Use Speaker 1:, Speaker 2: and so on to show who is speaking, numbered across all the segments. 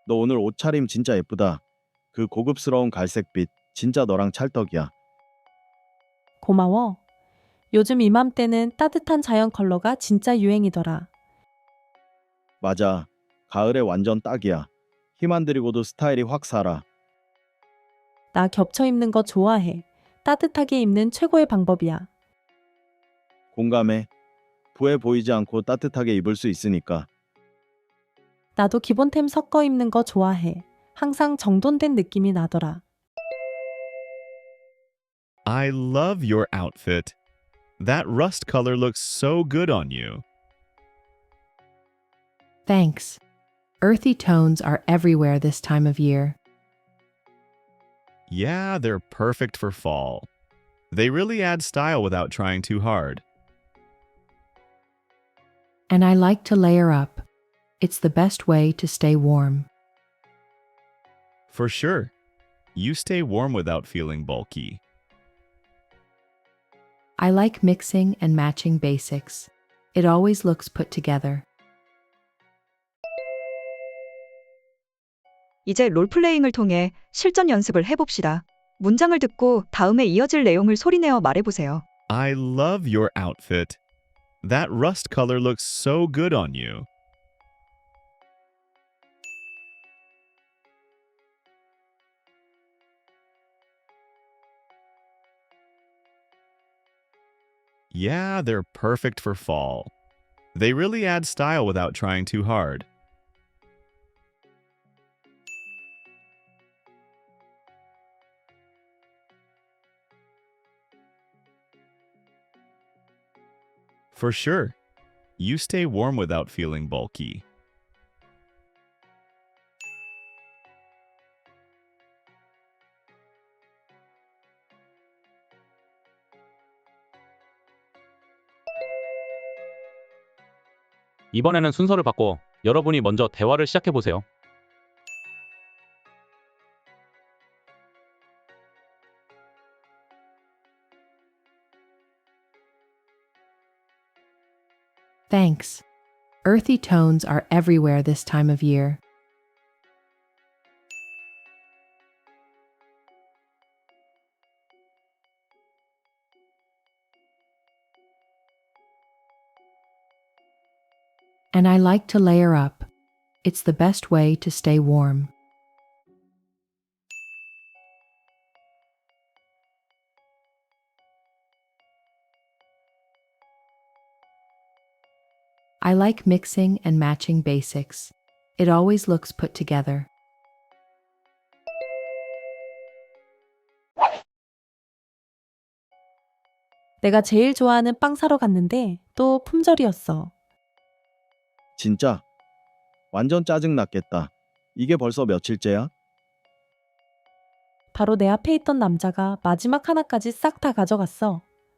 Speaker 1: 너 오늘 옷차림 진짜 예쁘다. 그 고급스러운 갈색빛, 진짜 너랑 찰떡이야.
Speaker 2: 고마워. 요즘 이맘때는 따뜻한 자연 컬러가 진짜 유행이더라.
Speaker 1: 맞아. 가을에 완전 딱이야. 힘 안 들이고도 스타일이 확 살아.
Speaker 2: 나 겹쳐 입는 거 좋아해. 따뜻하게 입는 최고의 방법이야.
Speaker 1: 공감해. 부해 보이지 않고 따뜻하게 입을 수 있으니까.
Speaker 2: 나도 기본템 섞어 입는 거 좋아해. 항상 정돈된 느낌이 나더라.
Speaker 3: I love your outfit. That rust color looks so good on you.
Speaker 4: Thanks. Earthy tones are everywhere this time of year.
Speaker 3: Yeah, they're perfect for fall. They really add style without trying too hard.
Speaker 4: And I like to layer up. It's the best way to stay warm.
Speaker 3: For sure. You stay warm without feeling bulky.
Speaker 4: I like mixing and matching basics. It always looks put together.
Speaker 5: 이제 롤플레잉을 통해 실전 연습을 해봅시다. 문장을 듣고 다음에 이어질 내용을 소리내어 말해보세요.
Speaker 3: I love your outfit. That rust color looks so good on you. Yeah, they're perfect for fall. They really add style without trying too hard. For sure. You stay warm without feeling bulky.
Speaker 6: 이번에는 순서를 바꿔 여러분이 먼저 대화를 시작해 보세요.
Speaker 4: Thanks. Earthy tones are everywhere this time of year. And I like to layer up. It's the best way to stay warm. I like mixing and matching basics. It always looks put together.
Speaker 2: 내가 제일 좋아하는 빵 사러 갔는데 또 품절이었어.
Speaker 1: 진짜? 완전 짜증났겠다. 이게 벌써 며칠째야?
Speaker 2: 바로 내 앞에 있던 남자가 마지막 하나까지 싹 다 가져갔어.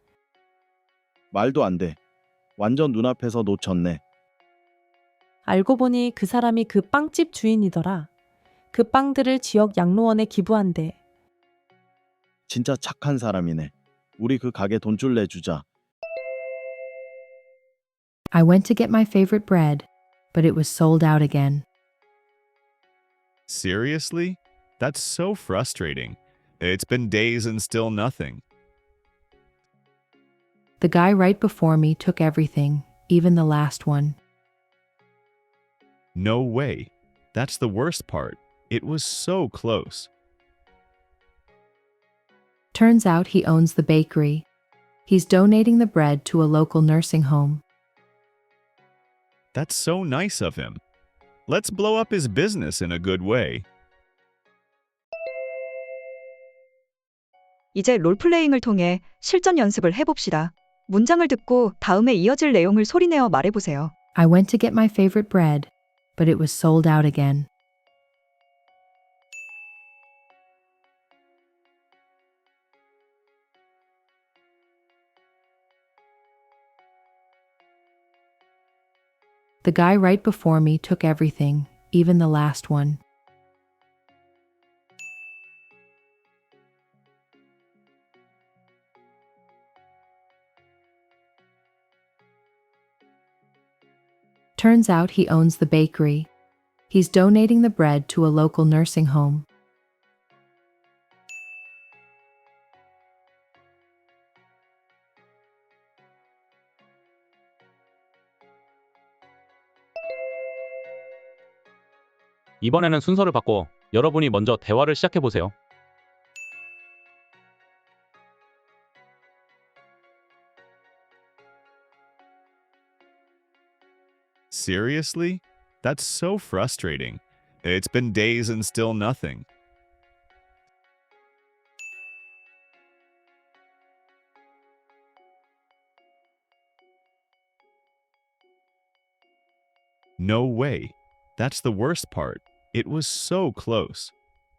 Speaker 1: 말도 안 돼. 완전 눈앞에서 놓쳤네.
Speaker 2: 알고 보니 그 사람이 그 빵집 주인이더라. 그 빵들을 지역 양로원에 기부한대.
Speaker 1: 진짜 착한 사람이네. 우리 그 가게 돈줄 내주자.
Speaker 4: I went to get my favorite bread, but it was sold out again.
Speaker 3: Seriously? That's so frustrating. It's been days and still nothing.
Speaker 4: The guy right before me took everything, even the last one.
Speaker 3: No way. That's the worst part. It was so close.
Speaker 4: Turns out he owns the bakery. He's donating the bread to a local nursing home.
Speaker 3: That's so nice of him. Let's blow up his business in a good way.
Speaker 5: 이제 롤플레잉을 통해 실전 연습을 해봅시다. 문장을 듣고 다음에 이어질 내용을 소리내어 말해보세요.
Speaker 4: I went to get my favorite bread, but it was sold out again. The guy right before me took everything, even the last one. Turns out he owns the bakery. He's donating the bread to a local nursing home.
Speaker 6: 이번에는 순서를 바꿔 여러분이 먼저 대화를 시작해 보세요.
Speaker 3: Seriously? That's so frustrating. It's been days and still nothing. No way. That's the worst part. It was so close.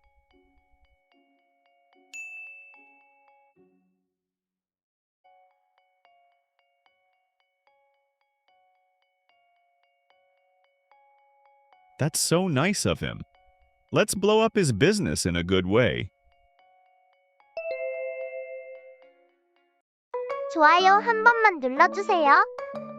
Speaker 3: That's so nice of him. Let's blow up his business in a good way.
Speaker 7: 좋아요 한 번만 눌러주세요.